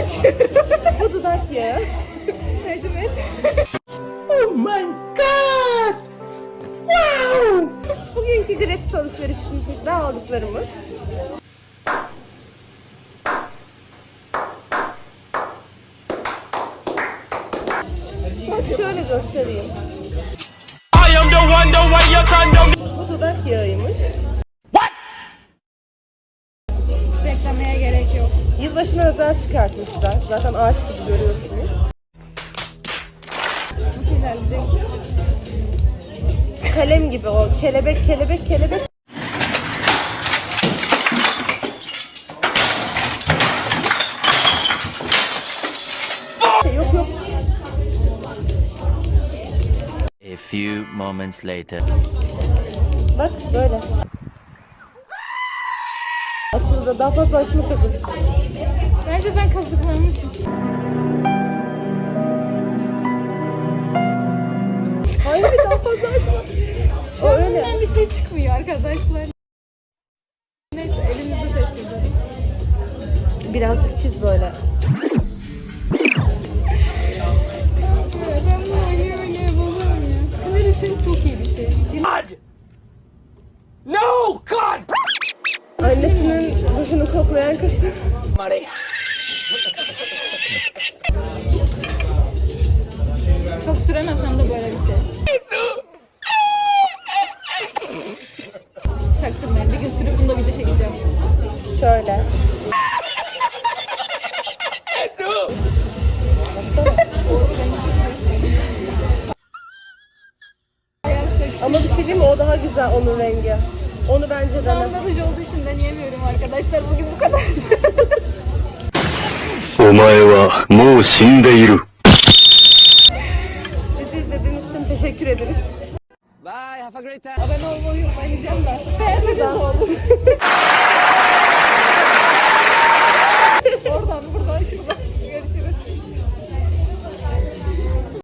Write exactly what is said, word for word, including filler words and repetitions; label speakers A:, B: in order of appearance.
A: aç. Bu dudak yağı. Tercüme et.
B: Oh my god! Wow!
A: Bugünkü gratis alışverişimizde aldıklarımız. Bak şöyle göstereyim. Bu dudak yağıymış.
C: Hiç beklemeye gerek yok.
A: Yılbaşına özel çıkartmışlar. Zaten ağaç gibi görüyorsunuz.
C: Nasıl ilerleyecek?
A: Kalem gibi o. Kelebek, kelebek, kelebek. Yok yok.
D: A few moments later.
A: Bak böyle. Açıldı. Daha fazla açma sakın.
C: Bence ben kazıklanmışım.
A: Hayır daha fazla açma. O öyle.
C: Bundan bir şey çıkmıyor arkadaşlar. Neyse elimizde test edelim.
A: Birazcık çiz böyle.
C: Ya ben bunu oynaya oynaya buluyorum ya. Sinir için çok iyi bir şey.
B: No, God!
A: Annesinin duşunu koklayan kız.
C: Çok süremesem de böyle bir şey. Çaktırmayın. Bir gün sürüp bunda video çekeceğim.
A: Şöyle. Ama bir şey diyeyim mi? O daha güzel onun rengi. Onu bence dene.
C: Anlatıcı olduğu için deneyemiyorum arkadaşlar. Bugün bu kadar.
E: お前はもう死んでいる。
A: Bizi izlediğiniz için teşekkür ederiz.
B: Bye, have a great time.
C: Abone olmayı unutmayacağım da. Beğenmeniz olsun.